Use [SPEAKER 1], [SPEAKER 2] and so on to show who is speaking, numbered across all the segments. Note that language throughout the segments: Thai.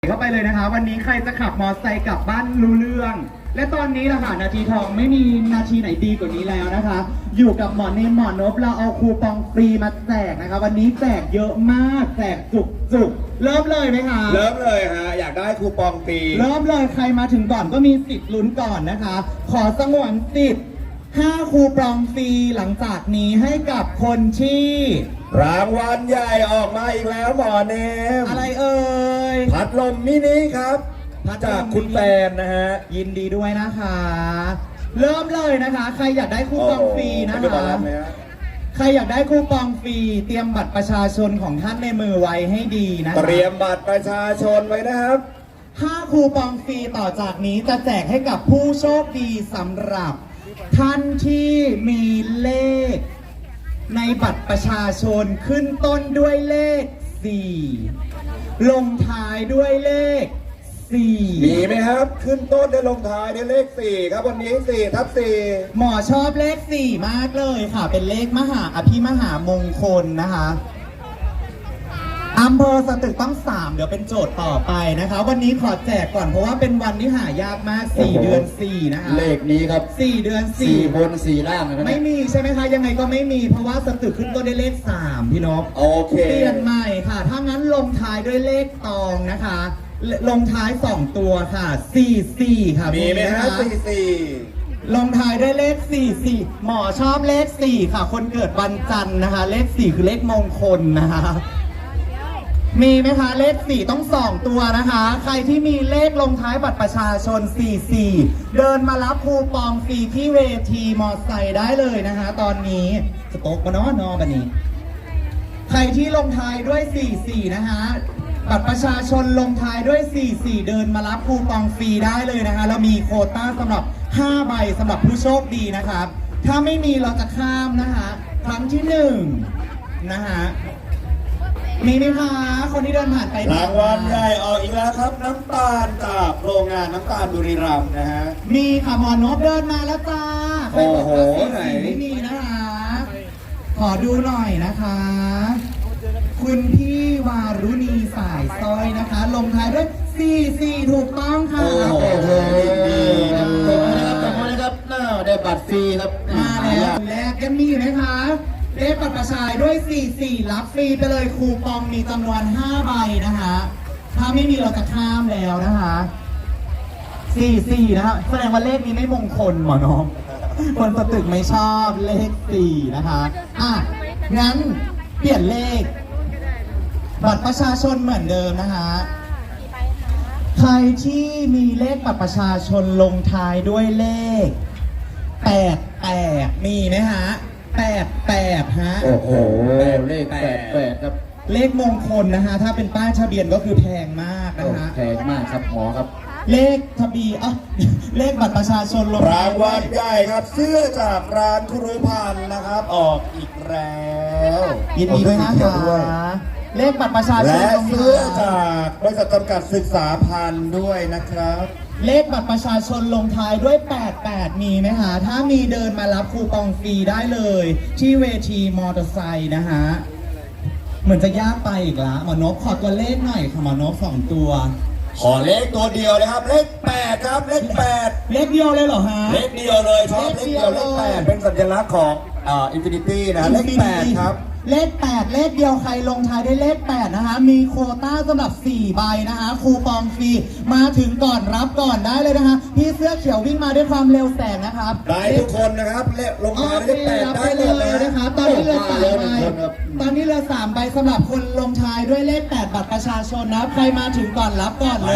[SPEAKER 1] เข้าไปเลยนะคะวันนี้ใครจะขับมอเตอร์ไซค์กลับบ้านรู้เรื่อง และตอนนี้ล่ะค่ะนาทีทองไม่มีนาทีไหนดีกว่านี้แล้วนะคะ อยู่กับหมอเนมหมอนพเราเอาคูปองฟรีมาแจกนะคะวันนี้แจกเยอะมากแจกจุกเริ่มเลยไหมคะ
[SPEAKER 2] เริ่มเลยฮะอยากได้คูปองฟรี
[SPEAKER 1] เริ่มเลยใครมาถึงก่อนก็มีสิทธิ์ลุ้นก่อนนะคะ ขอสงวนสิทธิ์5คูปองฟรีหลังจากนี้ให้กับคนที่
[SPEAKER 2] รางวัลใหญ่ออกมาอีกแล้วหมอเนม
[SPEAKER 1] อะไรเอ่ย
[SPEAKER 2] พัดลมมินิครับจากคุณแฟนนะฮะ
[SPEAKER 1] ยินดีด้วยนะคะเริ่มเลยนะคะใครอยากได้คูปองฟรีนะคะใครอยากได้คูปองฟรีเตรียมบัตรประชาชนของท่านในมือไว้ให้ดีนะคะ
[SPEAKER 2] เตรียมบัตรประชาชนไว้นะครับ
[SPEAKER 1] 5คูปองฟรีต่อจากนี้จะแจกให้กับผู้โชคดีสำหรับท่านที่มีเลขในบัตรประชาชนขึ้นต้นด้วยเลข4ลงท้ายด้วยเลข4
[SPEAKER 2] มีไหมครับขึ้นต้นด้วยลงท้ายด้วยเลข4ครับวันนี้4/4
[SPEAKER 1] หมอชอบเลข4มากเลยค่ะเป็นเลขมหาอภิมหามงคลนะคะอำเภอสตึกต้อง3เดี๋ยวเป็นโจทย์ต่อไปนะคะวันนี้ขอแจกก่อนเพราะว่าเป็นวันที่หายากมาก4เดือน4นะคะ
[SPEAKER 2] เลขนี้ครับ
[SPEAKER 1] 4เดือน4
[SPEAKER 2] บน4ล่างนะ
[SPEAKER 1] ไม่มีใช่ไหมคะยังไงก็ไม่มีเพราะว่าสตึกขึ้นต้นด้วยเลข3พี่นพ
[SPEAKER 2] โอเค
[SPEAKER 1] เปลี่ยนใหม่ค่ะถ้างั้นลงท้ายด้วยเลขตองนะคะลงท้าย2ตัวค่ะ44ค่ะ
[SPEAKER 2] มีไหมฮะ44
[SPEAKER 1] ลงท้ายด้วยเลข44หมอชอบเลข4ค่ะคนเกิดวันจันทร์นะคะเลข4คือเลขมงคลนะคะมีไหมคะเลข4ต้อง2ตัวนะคะใครที่มีเลขลงท้ายบัตรประชาชน44เดินมารับคูปองฟรีที่เวทีมอไซค์ได้เลยนะคะตอนนี้สต๊อกมาเนาะนอบันนี้ใครที่ลงท้ายด้วย44นะคะบัตรประชาชนลงท้ายด้วย44เดินมารับคูปองฟรีได้เลยนะคะเรามีโควต้าสำหรับ5ใบสำหรับผู้โชคดีนะครับถ้าไม่มีเราจะข้ามนะคะครั้งที่1นะคะมีไหมคะคนที่เดินผ่านไป
[SPEAKER 2] รางวัลใหญ่ออกอีกแล้วครับน้ำตาลจากโรงงานน้ำตาลบุรีรัมย์นะฮะ
[SPEAKER 1] มีค่ะหมอนพเดินมาแล้วจ้า
[SPEAKER 2] โอ้โหไหน
[SPEAKER 1] ไม่มีนะคะขอดูหน่อยนะคะคุณพี่วารุณีสายซอยนะคะลงท้ายด้วย44ถูกต้องค่ะ
[SPEAKER 2] โอ้โหดีนะครับได้บัตรฟรีครับ
[SPEAKER 1] มาแล้วแรกยังมีไหมคะเลขบัตรประชาชนด้วย44รับฟรีไปเลยคูปองมีจำนวน5ใบนะคะถ้าไม่มีเราจะข้ามแล้วนะคะ44นะคะแสดงว่าเลขนี้ไม่มงคลหมอน้องคนสตึกไม่ชอบเลข4นะคะงั้นเปลี่ยนเลขบัตรประชาชนเหมือนเดิมนะคะใครที่มีเลขบัตรประชาชนลงท้ายด้วยเลข88มีไหมฮะ88ฮะ
[SPEAKER 2] โอ้โหเลข88ครับ
[SPEAKER 1] เลขมงคลนะคะถ้าเป็นป้ายทะเบียนก็คือแพงมากนะคะ
[SPEAKER 2] แพงมากครับหมอครับ
[SPEAKER 1] เลขทะเบียนเลขบัตรประชาชนลง
[SPEAKER 2] รางวัลใหญ่ครับเสื้อจากร้านครูพันธ์นะครับออกอีกแล้ว
[SPEAKER 1] ยินดีด้วยนะคะเลขบัตรประชาชน
[SPEAKER 2] และเสื้อจากบริษัทจำกัดศึกษาพันธ์ด้วยนะครับ
[SPEAKER 1] เลขบัตรประชาชนลงท้ายด้วย88มีไหมคะถ้ามีเดินมารับคูปองฟรีได้เลยที่เวทีมอเตอร์ไซค์นะฮะเหมือนจะยากไปอีกละหมอนพขอตัวเลขหน่อยค่ะหมอนพ2ตัว
[SPEAKER 2] ขอเลขตัวเดียวเลยครับเลข8ครับเลข8
[SPEAKER 1] เลขเดียวเลยเหรอฮะ
[SPEAKER 2] เลขเดียวเลยชอบเลขเดียวเลข8เป็นสัญลักษณ์ของอินฟินิตี้นะเลข8ครับ
[SPEAKER 1] เลข8เลขเดียวใครลงท้ายด้วยเลข8นะคะมีโควต้าสำหรับ4ใบนะคะคูปองฟรีมาถึงก่อนรับก่อนได้เลยนะคะพี่เสื้อเขียววิ่งมาด้วยความเร็วแสงนะครับ
[SPEAKER 2] ได้ทุกคนนะครับลงท้ายด้วยเลข8ได้เลย
[SPEAKER 1] นะคะตอนนี้เหลือ3ใบตอนนี้เหลือ3ใบสำหรับคนลงท้ายด้วยเลข8บัตรประชาชนนะใครมาถึงก่อนรับก่อนเลย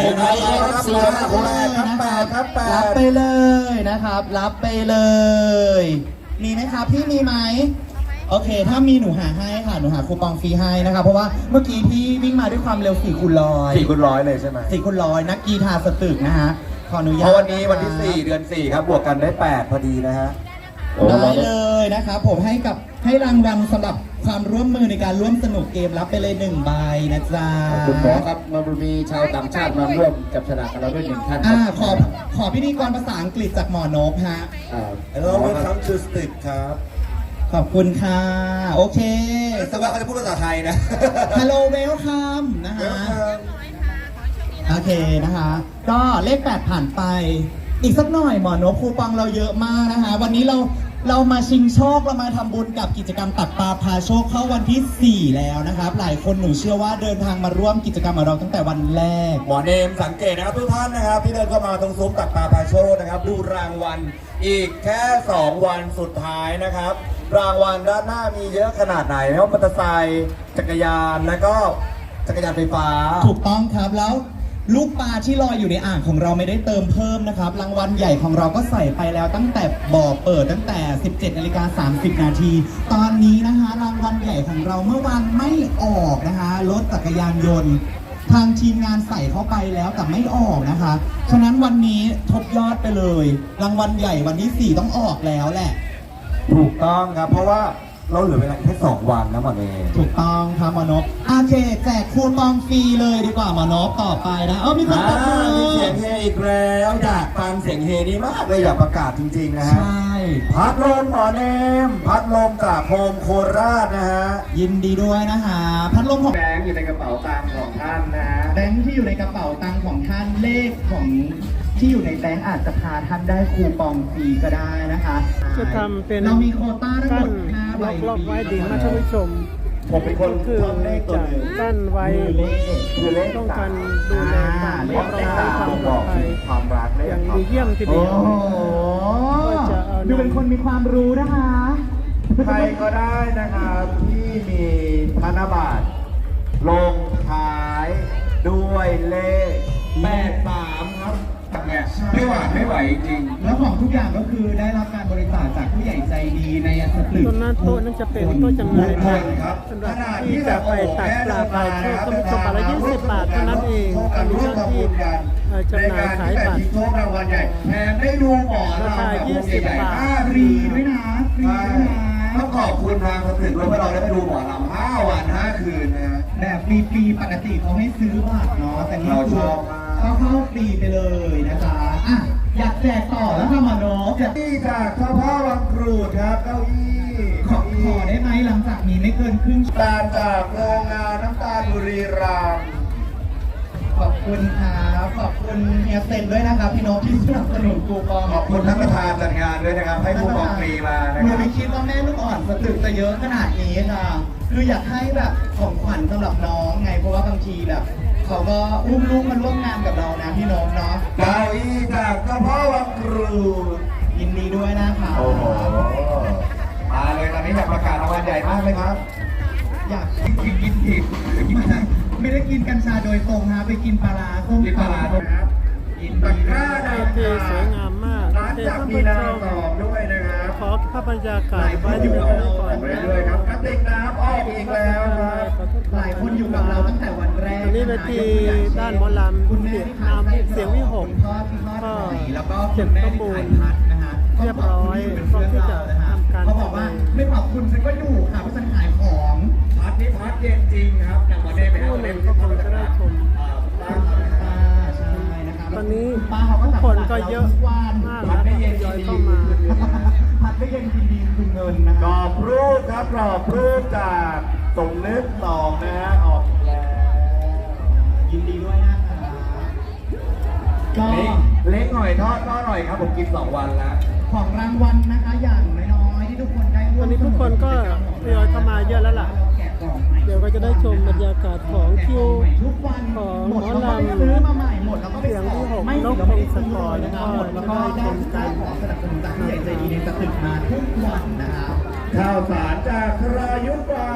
[SPEAKER 2] ครับ
[SPEAKER 1] รับไปเลยนะครับรับไปเลยมีไหมครับพี่มีไหมโอเคถ้ามีหนูหาให้ค่ะหนูหาคูปองฟรีให้นะคะเพราะว่าเมื่อกี้พี่วิ่งมาด้วยความเร็ว4 คูณ 100
[SPEAKER 2] 4 คูณ 100เลยใช่ไหม
[SPEAKER 1] 4 คูณ 100นักกีฬาสตึกนะฮะขออนุญาต
[SPEAKER 2] เพราะวันนี้วันที่4เดือน4ครับบวกกันได้8พอดีนะฮะ
[SPEAKER 1] ได้เลยนะครับผมให้รางวัลสำหรับความร่วมมือในการร่วมสนุกเกมรับไปเลย1ใบนะจ๊ะ
[SPEAKER 2] คุณหมอครับมันมีชาวต่างชาติมาร่วมจับฉลากกับเราด้วย1ท่าน
[SPEAKER 1] ขอพิธีกรภาษาอังกฤษจากหมอนพฮะ
[SPEAKER 2] Hello welcome to Stick ครับ
[SPEAKER 1] ขอบคุณค่ะโอเค
[SPEAKER 2] แต่ว่าเขาจะพูดภาษาไทยนะ
[SPEAKER 1] Hello welcome นะฮะโอเคนะคะ ก็เลข 8 ผ่านไป อีกสักหน่อยหมอนกคูปองเราเยอะมากนะคะ วันนี้เรามาชิงโชคเรามาทำบุญกับกิจกรรมตักปลาพาโชคเข้าวันที่ 4 แล้วนะครับ หลายคนหนูเชื่อว่าเดินทางมาร่วมกิจกรรมกับเราตั้งแต่วันแรก
[SPEAKER 2] หมอเนมสังเกตนะครับทุกท่านนะครับที่เดินเข้ามาตรงซุ้มตักปลาพาโชคนะครับดูรางวัลอีกแค่ 2 วันสุดท้ายนะครับ รางวัลด้านหน้ามีเยอะขนาดไหนไม่ว่ามอเตอร์ไซค์จักรยานแล้วก็จักรยานไฟฟ้า
[SPEAKER 1] ถูกต้องครับแล้วลูกปลาที่ลอยอยู่ในอ่างของเราไม่ได้เติมเพิ่มนะครับรางวัลใหญ่ของเราก็ใส่ไปแล้วตั้งแต่บ่อเปิดตั้งแต่ 17:30 นาทีตอนนี้นะคะรางวัลใหญ่ของเราเมื่อวานไม่ออกนะคะรถจักรยานยนต์ทางทีมงานใส่เข้าไปแล้วแต่ไม่ออกนะคะฉะนั้นวันนี้ทบยอดไปเลย รางวัลใหญ่วันที่ 4 ต้องออกแล้วแหละ
[SPEAKER 2] ถูกต้องครับเพราะว่าเราเหลือเวลาแค่2 วันนะหมอเนม
[SPEAKER 1] ถูกต้องครับหมอนพโอเคแจกคูปองฟรีเลยดีกว่าหมอนพต่อไปนะมีคนตบมือ
[SPEAKER 2] มีเสียงเฮอีกแล้วอยากฟังเสียงเฮนี้มากเลยอยากประกาศจริงๆนะ
[SPEAKER 1] ใช
[SPEAKER 2] ฮะ
[SPEAKER 1] ่
[SPEAKER 2] พัดลมหมอเนมพัดลมจากโฮมโคราชนะฮะ
[SPEAKER 1] ยินดีด้วยนะคะพัดลมของ
[SPEAKER 2] แบงค์อยู่ในกระเป๋าตังค์ของท่านนะฮะ
[SPEAKER 1] แบงค์ที่อยู่ในกระเป๋าตังค์ของท่านเลขของที่อยู่ในแบงค์อาจจะพาท่านได้คูปองฟรีก็ได้นะคะ
[SPEAKER 3] จะทำเป็น
[SPEAKER 1] เรามีโควต้าทั้งหม
[SPEAKER 3] กั้
[SPEAKER 1] ด
[SPEAKER 3] น
[SPEAKER 1] 5ใบ
[SPEAKER 3] ล็อกๆไว้ดีนะท่านผู้ชม
[SPEAKER 2] ผมเป็นคน
[SPEAKER 3] คือ
[SPEAKER 2] ชอบเลขตัว
[SPEAKER 3] จะ
[SPEAKER 2] หนึ่ง
[SPEAKER 3] กั้นไว้
[SPEAKER 2] คือเลข
[SPEAKER 3] ต้องการดูแลความเรียบร้อยความปลอดภัย
[SPEAKER 2] ความรักเลข
[SPEAKER 3] อย่างดีเยี่ยมที
[SPEAKER 1] โอ้
[SPEAKER 3] เดียว
[SPEAKER 1] โห
[SPEAKER 3] ก็จะเอา
[SPEAKER 1] ดูเป็นคนมีความรู้นะคะ
[SPEAKER 2] ใครก็ได้นะครับที่มีธนบัตรลงท้ายด้วยเลข83ครับไม่ไหวจริง
[SPEAKER 1] แล้วของทุกอย่างก็คือได้รับการบริจาคจากผู้ใหญ่ใจดีในสตึก
[SPEAKER 3] ต้นนั้นโต๊ะนั้นจะเป็นโต๊ะจำหน่าย
[SPEAKER 2] ค
[SPEAKER 3] ผั
[SPEAKER 2] น
[SPEAKER 3] ก
[SPEAKER 2] ครับ
[SPEAKER 3] สำหรับที่จะไปตักปลาไปโชคก็มีตัวปลาละ20 บาทเท่านั้นเองก็มีเจ้าที่จำหน่ายขายบัตร
[SPEAKER 2] โชครางวัลใหญ่แถมได้ดูหมอ
[SPEAKER 3] ราคา
[SPEAKER 2] แบบวง
[SPEAKER 3] 20
[SPEAKER 2] ใหญ่
[SPEAKER 3] บาท
[SPEAKER 2] 5
[SPEAKER 1] ฟรีด้วยนะฟรีด้วยนะ
[SPEAKER 2] ต้องขอบคุณทางสตึกด้วยเพราะเราได้ไปดูหมอลำ5 วัน 5 คืนนะฮะ
[SPEAKER 1] แบบฟรีๆปกติเขาให้ซื้อบัตรเนาะแต่นี่
[SPEAKER 2] เรา
[SPEAKER 1] คื
[SPEAKER 2] ช
[SPEAKER 1] อ
[SPEAKER 2] อบมาก
[SPEAKER 1] เขาเข้าฟรีไปเลยนะคะอ่ะอยากแจกต่อแล้วค่ะหมอโนกอยาก
[SPEAKER 2] ที่จากเจ้าพ่อวังกรูดครับเก้าอี้
[SPEAKER 1] ขอได้ไหมหลังจากนี้ไม่เกินครึ่งชั่วโมง
[SPEAKER 2] ตาลจากโรงงานน้ำตาลบุรีรัมย์
[SPEAKER 1] ขอบคุณครับขอบคุณเฮียเซนด้วยนะครับพี่โนกที่สนับสนุนกูปอง
[SPEAKER 2] ขอบคุณท่านประธานจัดงานด้วยนะครับ ให้คูปองฟรีมานะ
[SPEAKER 1] หนู
[SPEAKER 2] ครับ
[SPEAKER 1] ไม่คิดว่าแม่ลูกอ่อนสตึกจะเยอะขนาดนี้ค่ะ คืออยากให้แบบของขวัญสำหรับน้องไงเพราะว่าบางทีแบบเขาก็อุ้มลูกมาร่วมงานกับเรานะพี่โนกเนาะ
[SPEAKER 2] เก้าอี้จากเจ้าพ่อวังกรูด
[SPEAKER 1] ยินดีด้วยนะคะ
[SPEAKER 2] โอ้โหมาเลยตอนนี้อยากประกาศรางวัลใหญ่มากเลยครับ
[SPEAKER 1] อยาก
[SPEAKER 2] กินผิด
[SPEAKER 1] ไม่ได้กินกัญชาโดยตรงนะไปกินปลาร้าส้ม
[SPEAKER 2] กินปลาร้าด้วยนะครับกินตะกร้า
[SPEAKER 3] เว
[SPEAKER 2] ดำ
[SPEAKER 3] ทีสวยงามมาก
[SPEAKER 2] ร้าน
[SPEAKER 3] เชิญ
[SPEAKER 2] จาก
[SPEAKER 3] ท่าน
[SPEAKER 2] มี
[SPEAKER 3] ผู้
[SPEAKER 2] นา
[SPEAKER 3] ชม
[SPEAKER 2] ตอบด้วยนะครับ
[SPEAKER 3] ขอภาพบรรยากาศ
[SPEAKER 1] ห
[SPEAKER 3] ไว้
[SPEAKER 1] ลายคน
[SPEAKER 3] ที่
[SPEAKER 1] อยู่
[SPEAKER 3] เรา
[SPEAKER 1] กับเรา
[SPEAKER 3] ก่อน
[SPEAKER 2] ไป
[SPEAKER 3] นะ
[SPEAKER 2] เรื่อยๆครับกระติกน้ำออกอีกแล้วครับ
[SPEAKER 1] หลายคนอยู่กับเราตั้งแต่วันแรก
[SPEAKER 3] อันนี้เวทีด้านหมอลำ
[SPEAKER 1] คุณแม่
[SPEAKER 3] เสียง
[SPEAKER 1] ที่
[SPEAKER 3] น้ำเสียงวิหก
[SPEAKER 1] คุณพ่อที่ทอดไข่แล้วก็คุณแม่ที่ถ่ายพัดนะฮะ
[SPEAKER 3] เรียบร้อยพร้อมที่จะทำการ
[SPEAKER 1] เขาบอกว่าไม่ขอบคุณฉันก็อยู่ค่ะเพราะฉันขายของ
[SPEAKER 2] พัดนี่พัดเย็นจริงครับจากวันนี้ไปให้
[SPEAKER 3] ผู้
[SPEAKER 2] วัน
[SPEAKER 3] ห
[SPEAKER 2] นี้
[SPEAKER 3] นึ่งก็คงจะได้ชม
[SPEAKER 1] ป้าใช่นะครับ
[SPEAKER 3] ตอนนี้
[SPEAKER 1] ป้าเขาก็
[SPEAKER 3] ทุกคนก็เยอะ
[SPEAKER 1] ทุกวัน
[SPEAKER 3] มากแล้วทยอยเข้ามา
[SPEAKER 1] พัดไม่เย็นกินดีคือเงินนะ
[SPEAKER 2] กรอบรูปครับกรอบรูปจากสมนึกสองนะฮะออกอีกแล้ว
[SPEAKER 1] ยินดีด้วยนะคะก็
[SPEAKER 2] เล็กหน่อยทอดหน่อยครับผมกิน2 วันแล้ว
[SPEAKER 1] ของรางวัลนะคะอย่างน้อยๆที่ทุกคนได้ร่วม
[SPEAKER 3] วันนี้ทุกคนก็ทยอยเข้ามาเยอะแล้วล่ะ
[SPEAKER 1] แกะกล่องใหม่
[SPEAKER 3] เดี๋ยวก็จะได้ชมบรรยากาศของคิว
[SPEAKER 1] ทุกวัน
[SPEAKER 3] ของ
[SPEAKER 1] หมด
[SPEAKER 3] หมอ
[SPEAKER 1] เราก็ไป
[SPEAKER 3] ลำ
[SPEAKER 1] ซื้อมาใหม่หมดแล้วก็ไป
[SPEAKER 3] เสียงที่หก
[SPEAKER 1] ไม่
[SPEAKER 3] นก
[SPEAKER 1] เราไม่ได้
[SPEAKER 3] พงศ
[SPEAKER 1] ซื้อก
[SPEAKER 3] ร
[SPEAKER 1] นะครับหมดแล้วก็
[SPEAKER 3] แล้วก็ได้ชมกัน
[SPEAKER 1] ของสนับสนุนจากผู้ใหญ่ใจดีในสตึกมาทุกวันนะครับ
[SPEAKER 2] ข้าวสารจากครายุทธ์ฟา